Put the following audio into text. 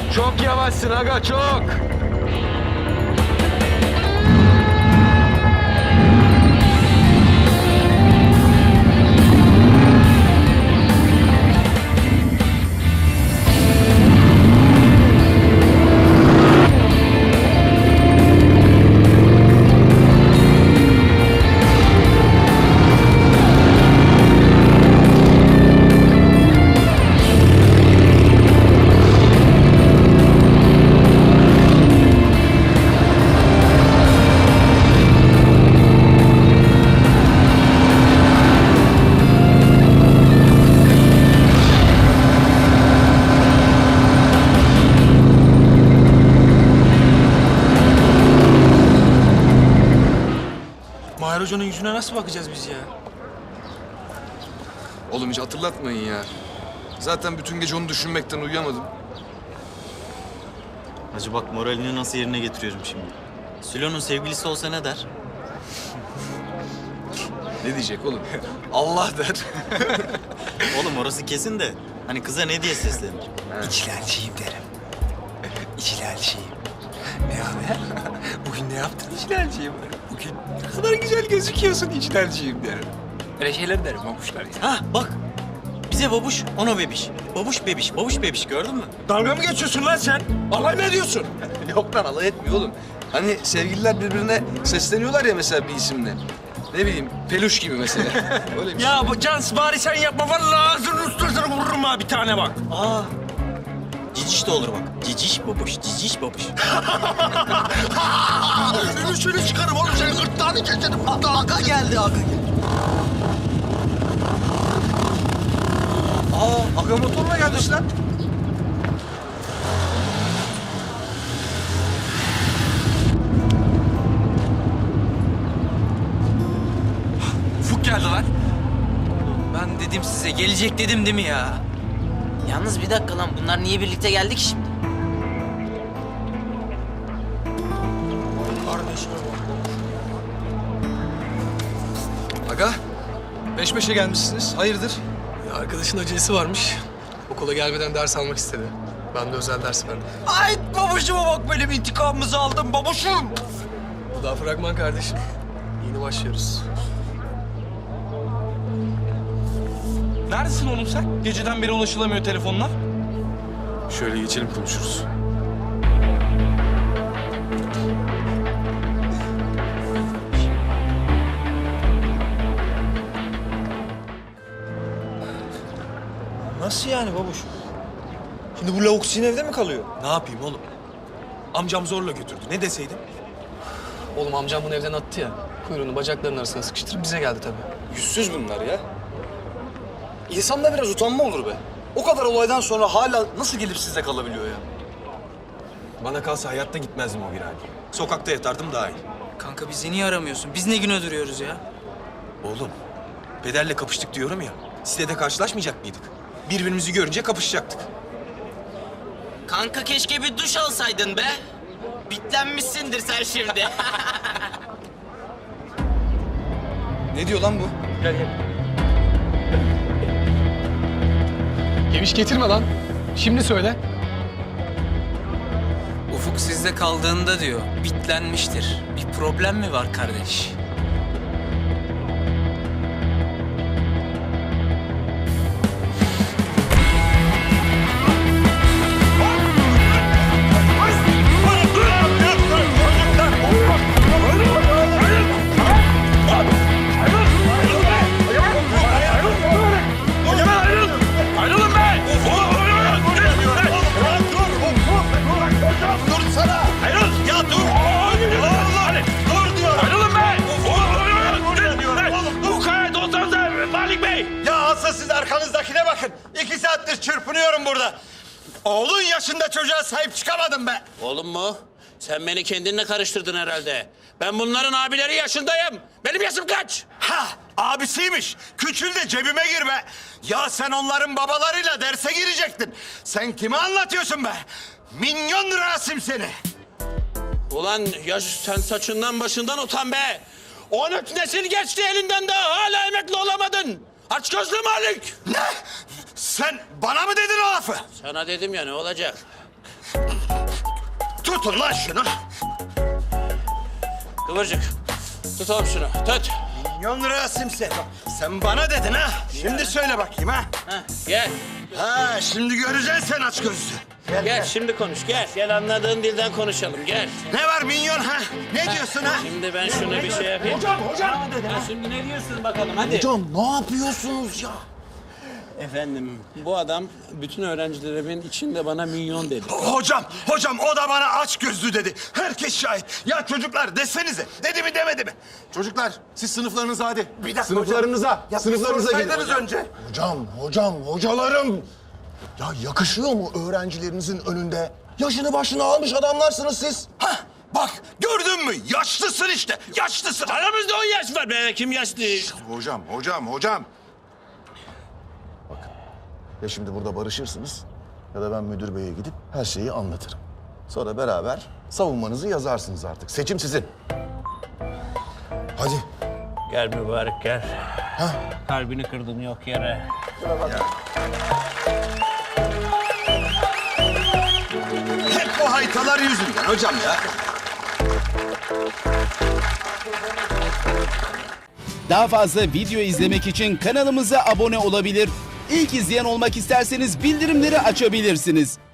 Çok yavaşsın aga, çok. Mahir Hoca'nın yüzüne nasıl bakacağız biz ya? Oğlum hiç hatırlatmayın ya. Zaten bütün gece onu düşünmekten uyuyamadım. Hacı bak moralini nasıl yerine getiriyorum şimdi. Sülo'nun sevgilisi olsa ne der? Ne diyecek oğlum? Allah der. Oğlum orası kesin de hani kıza ne diye seslenir? İçilalciyim derim. İçilalciyim. Ne haber? Bugün ne yaptın içilalciyim? Bugün ne kadar güzel gözüküyorsun içilalciyim derim. Öyle şeyler derim babuşlar ya. Ha bak bize babuş ona bebiş. Babuş bebiş, babuş bebiş gördün mü? Dalga mı geçiyorsun lan sen? Alay mı ediyorsun? Yok lan alay etmiyor oğlum. Hani sevgililer birbirine sesleniyorlar ya mesela bir isimle. Ne bileyim peluş gibi mesela. Öyle bir şey. Ya bu Cans bari sen yapma vallahi ağzının ustasını vururum ha bir tane bak. Aa ciciş de olur bak. Ciciş babuş, ciciş babuş. Şunu çıkarım oğlum senin gırtlağını keserim. Aga geldi aga geldi. Aa aga motorla gelmiş lan. Ufuk geldi lan. Ben dedim size gelecek dedim değil mi ya? Yalnız bir dakika lan, bunlar niye birlikte geldi ki şimdi? Kardeşime bak. Aga peş peşe gelmişsiniz. Hayırdır? Arkadaşın acelesi varmış. Okula gelmeden ders almak istedi. Ben de özel ders verdim. Ay babuşuma bak benim intikamımızı aldım babuşum. Bu da fragman kardeşim. Yeni başlıyoruz. Neredesin oğlum sen? Geceden beri ulaşılamıyor telefonla. Şöyle geçelim konuşuruz. Nasıl yani babuş? Şimdi bu lavuk sizin evde mi kalıyor? Ne yapayım oğlum? Amcam zorla götürdü. Ne deseydim? Oğlum amcam bunu evden attı ya. Kuyruğunu bacaklarının arasına sıkıştırıp bize geldi tabii. Yüzsüz bunlar ya. İnsanda biraz utanma olur be. O kadar olaydan sonra hala nasıl gelip sizde kalabiliyor ya? Bana kalsa hayatta gitmezdim o virane. Sokakta yatardım daha iyi. Kanka bizi niye aramıyorsun? Biz ne güne duruyoruz ya? Oğlum, pederle kapıştık diyorum ya. Sitede karşılaşmayacak mıydık? Birbirimizi görünce kapışacaktık. Kanka keşke bir duş alsaydın be. Bitlenmişsindir sen şimdi. Ne diyor lan bu? Geviş getirme lan. Şimdi söyle. Ufuk sizde kaldığında diyor, bitlenmiştir. Bir problem mi var kardeş? Siz arkanızdakine bakın. 2 saattir çırpınıyorum burada. Oğlun yaşında çocuğa sahip çıkamadım be. Oğlum mu? Sen beni kendinle karıştırdın herhalde. Ben bunların abileri yaşındayım. Benim yaşım kaç? Ha, abisiymiş. Küçül de cebime gir be. Ya sen onların babalarıyla derse girecektin. Sen kime anlatıyorsun be? Minyon Rasim seni. Ulan ya sen saçından başından utan be. 13 nesil geçti elinden daha hala emekli olamadın. Aç gözlü Malik. Ne? Sen bana mı dedin o lafı? Sana dedim ya ne olacak? Tutun lan şunu. Kıvırcık. Tut oğlum şunu. Tut. Milyon lira simse. Sen bana dedin ha. Şimdi söyle bakayım ha. Ha, gel. Ha şimdi göreceksin sen aç gözlü. Gel şimdi konuş. Gel. Gel anladığın dilden konuşalım. Gel. Ne var milyon ha? Ne diyorsun ha? Şimdi ben şunu bir şey yapayım. Hocam. Ha, şimdi ne diyorsun bakalım hadi. Hocam ne yapıyorsunuz ya? Efendim bu adam bütün öğrencilerimin içinde bana milyon dedi. Hocam o da bana aç gözlü dedi. Herkes şahit. Ya çocuklar desenize. Dedi mi demedi mi? Çocuklar siz sınıflarınıza hadi. Bir dakika Sınıflarınıza, Ya sınıflarınıza gidin. sorsaydınız önce. Hocalarım. Ya yakışıyor mu öğrencilerinizin önünde? Yaşını başını almış adamlarsınız siz. Hah bak gördün mü? Yaşlısın işte. Yaşlısın. Aramızda 10 yaş var be. Kim yaşlı? Hocam. Bakın ya şimdi burada barışırsınız ya da ben müdür beye gidip her şeyi anlatırım. Sonra beraber savunmanızı yazarsınız artık. Seçim sizin. Hadi. Gel mübarek gel. Kalbini kırdım yok yere. Hep o haytalar yüzünden hocam ya. Daha fazla video izlemek için kanalımıza abone olabilir. İlk izleyen olmak isterseniz bildirimleri açabilirsiniz.